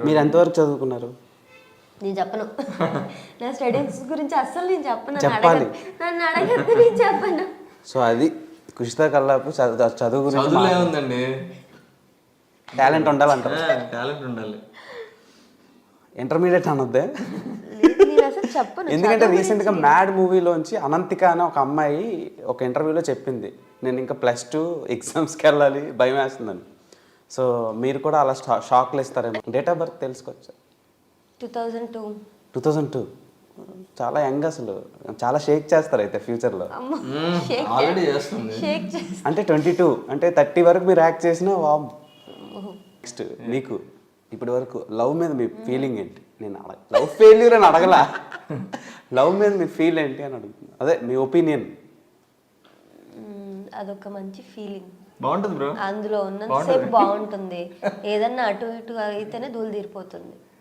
మీరు ఎంతవరకు చదువుకున్నారు? నేను చెప్పను. నా స్టడీస్ గురించి అస్సలు నేను చెప్పను. చెప్పాలి. నన్ను అడగద్దు, నేను చెప్పను. సో అది కుషితా కల్లాపు చదువు గురించి చదువులే ఉందండి, టాలెంట్ ఉండాలంటారు. టాలెంట్ ఉండాలి. ఇంటర్మీడియట్ అనొద్దే. లేదు, నేను అసలు చెప్పను. ఎందుకంటే రీసెంట్గా మ్యాడ్ మూవీలోంచి అనంతిక అనే ఒక అమ్మాయి ఒక ఇంటర్వ్యూలో చెప్పింది, నేను ఇంకా +2 ఎగ్జామ్స్కి వెళ్ళాలి, భయం వేస్తుందని. సో మీరు కూడా అలా షాక్లు ఇస్తారేమో. డేట్ ఆఫ్ బర్త్ తెలుసుకోవచ్చు? 2002. 2002. చాలా యంగ్ అసలు. చాలా షేక్ చేస్తారు అయితే ఫ్యూచర్లో. ఆల్రెడీ చేస్తుంది. అంటే 22 అంటే 30 వరకు మీరు యాక్ట్ చేసినా వామ్. నెక్స్ట్ మీకు ఇప్పటి వరకు లవ్ మీద మీ ఫీలింగ్ ఏంటి? నేను లవ్ ఫెయిల్యూర్ అని అడగలా, లవ్ మీద మీ ఫీల్ ఏంటి అని అడుగుతున్నా. అదే మీ ఒపీనియన్. అదొక మంచి ఫీలింగ్. బాగుంటుంది బ్రో, అందులో ఉన్నంతసేపు బాగుంటుంది. ఏదన్నా అటు ఇటు అయితేనే దూలు తీరిపోతుంది.